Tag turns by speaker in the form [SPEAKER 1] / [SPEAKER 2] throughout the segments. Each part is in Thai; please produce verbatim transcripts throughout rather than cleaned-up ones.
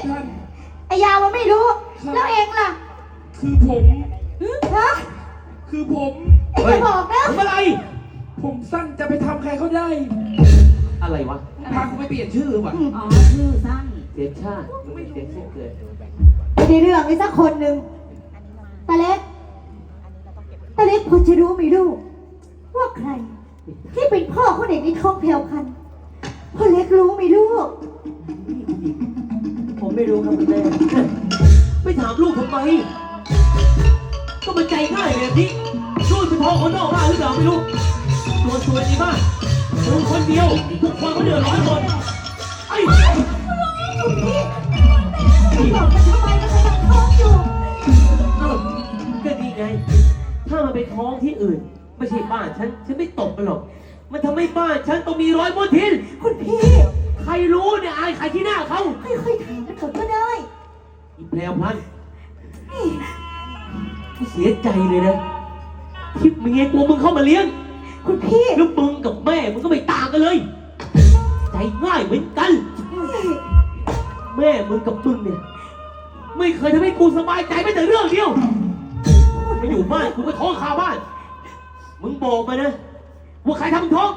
[SPEAKER 1] ไอ้ยาวมันไม่รู้แล้วเองล่ะ
[SPEAKER 2] คือผม
[SPEAKER 1] ฮะ
[SPEAKER 2] คือผม
[SPEAKER 1] ไอ้จะบอกนะ
[SPEAKER 2] ทำอะไรผมสั้นจะไปทำใครเขาได้
[SPEAKER 3] อะไรวะ
[SPEAKER 2] พาเขาไปเปลี่ยนชื่อว่ะ
[SPEAKER 4] อ๋อชื่อสั้น
[SPEAKER 3] เสียชาติไม่เสียชื่อเกิด
[SPEAKER 1] ไม่ได้เรื่องเลยสักคนหนึ่งตาเล็กตาเล็กพอจะรู้ไหมลูกว่าใครที่เป็นพ่อคนเด็กในท้องแพรวพันธุ์พ่อเล็กรู้ไหมลูก
[SPEAKER 3] ผมไม่รู้ครับคุณแม่ไม่ถามลูกทำไมก็มันใจง่ายแบบนี้ลูกเป็นพ่อคนนอกบ้านหรือเปล่าไม่รู้ตัวสวยในบ้านมึงคนเดียวทุกคนก็เดือดร้อนหมดไอ้
[SPEAKER 1] พี่บอกมันทำไมมันกำลังท้องอยู่
[SPEAKER 3] เอ้าก็ดีไงถ้ามันไปท้องที่อื่นไม่ใช่บ้านฉันฉันไม่ตบมันหรอกมันทำให้บ้านฉันต้องมีร้อยมลทิน
[SPEAKER 1] คุณพี่
[SPEAKER 3] ใครรู้เนี่ยอายใครที่หน้าเขา
[SPEAKER 1] ค่อยๆถามกันก่อนก็ได้
[SPEAKER 3] อีแพรวพันกูเสียใจเลยนะที่เมียกูมึงเข้ามาเลี้ยง
[SPEAKER 1] คุณพี่
[SPEAKER 3] แล้วมึงกับแม่มึงก็ไม่ต่างกันเลยใจง่ายเหมือนกันแม่มึงกับมึงเนี่ยไม่เคยทำให้กูสบายใจแม้แต่เรื่องเดียวมาอยู่บ้านกูก็ท้องคาบ้านมึงบอกมานะว่าใครทำมึงท้อง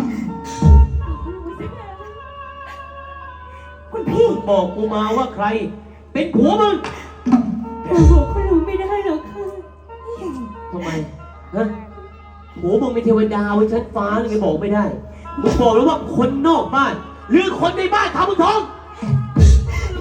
[SPEAKER 1] คุณพี่
[SPEAKER 3] มึงบอกกูมาว่าใครเป็นผัวมึง
[SPEAKER 1] เราบอกก็รู้ไม่ได้หรอกค่ะ
[SPEAKER 3] ทำไมฮะผัวมึงเป็นเทวดาบนชั้นฟ้าเลยไงบอกไม่ได้มึงบอกแล้วว่าคนนอกบ้านหรือคนในบ้านทำมึงท้อง